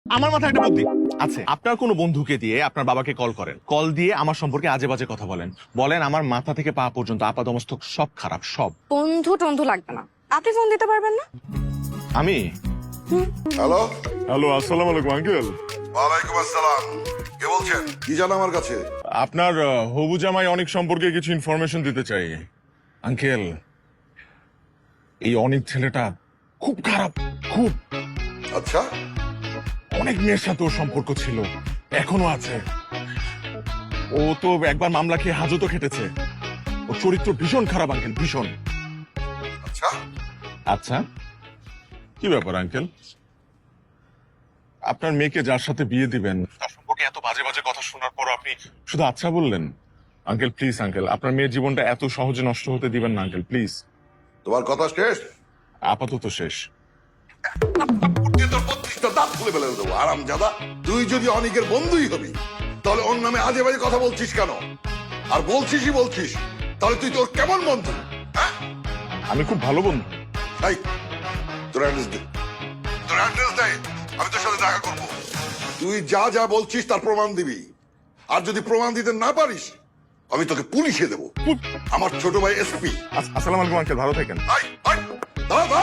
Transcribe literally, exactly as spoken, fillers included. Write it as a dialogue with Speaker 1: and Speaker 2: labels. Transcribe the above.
Speaker 1: আমার মাথায় একটা বুদ্ধি আছে। আপনার কোনো বন্ধুকে দিয়ে আপনার বাবাকে কল করেন, কল দিয়ে আমার সম্পর্কে আজে বাজে কথা বলেন, বলেন আমার মাথা থেকে পা পর্যন্ত আপাদমস্তক সব খারাপ, সব।
Speaker 2: বন্ধু টন্ধু লাগবে না, আপনি ফোন দিতে পারবেন না?
Speaker 1: আমি
Speaker 3: হ্যালো,
Speaker 1: হ্যালো, আসসালামু আলাইকুম আঙ্কেল।
Speaker 3: ওয়ালাইকুম আসসালাম। কে বলছেন? কি জানো আমার কাছে?
Speaker 1: আপনার আহ, হবু জামাই অনেক সম্পর্কে কিছু ইনফরমেশন দিতে চাই আঙ্কেল। এই অনেক ছেলেটা খুব খারাপ, খুব।
Speaker 3: আচ্ছা,
Speaker 1: অনেক মেয়ের সাথে ওর সম্পর্ক ছিল, এখনো আছে। ও তো একবার মামলা খেয়ে হাজতও খেটেছে। ওর চরিত্র ভীষণ খারাপ আঙ্কেল, ভীষণ।
Speaker 3: আচ্ছা।
Speaker 1: আচ্ছা, কি ব্যাপার আঙ্কেল? আপনার মেয়েকে যার সাথে বিয়ে দিবেন তার সম্পর্কে এত বাজে বাজে কথা শোনার পর আপনি শুধু আচ্ছা বললেন? আঙ্কেল প্লিজ, আঙ্কেল আপনার মেয়ের জীবনটা এত সহজে নষ্ট হতে দিবেন না আঙ্কেল, প্লিজ।
Speaker 3: তোমার কথা শেষ?
Speaker 1: আপাতত শেষ।
Speaker 3: তোর বত্রিশটা দাঁত খুলে ফেলে দেবো, আরাম জাদা। তুই যদি অনেকের বন্ধুই হবি তাহলে ওর নামে আজে বাজে কথা বলছিস কেন? আর বলছিসই বলছিস, তাহলে তুই তোর কেমন বন্ধু? হ্যাঁ,
Speaker 1: আমি খুব ভালো বন্ধু।
Speaker 3: এই, তোর অ্যাড্রেস দে, তোর অ্যাড্রেস দে, আমি তোর সাথে দেখা করবো। তুই যা যা বলছিস তার প্রমাণ দিবি, আর যদি প্রমাণ দিতে না পারিস আমি তোকে পুলিশে দেবো। আমার ছোট ভাই এসপি।
Speaker 1: আস- আসসালামু আলাইকুম আঙ্কেল, ভালো থাকেন।
Speaker 3: দাঁড়া দাঁড়া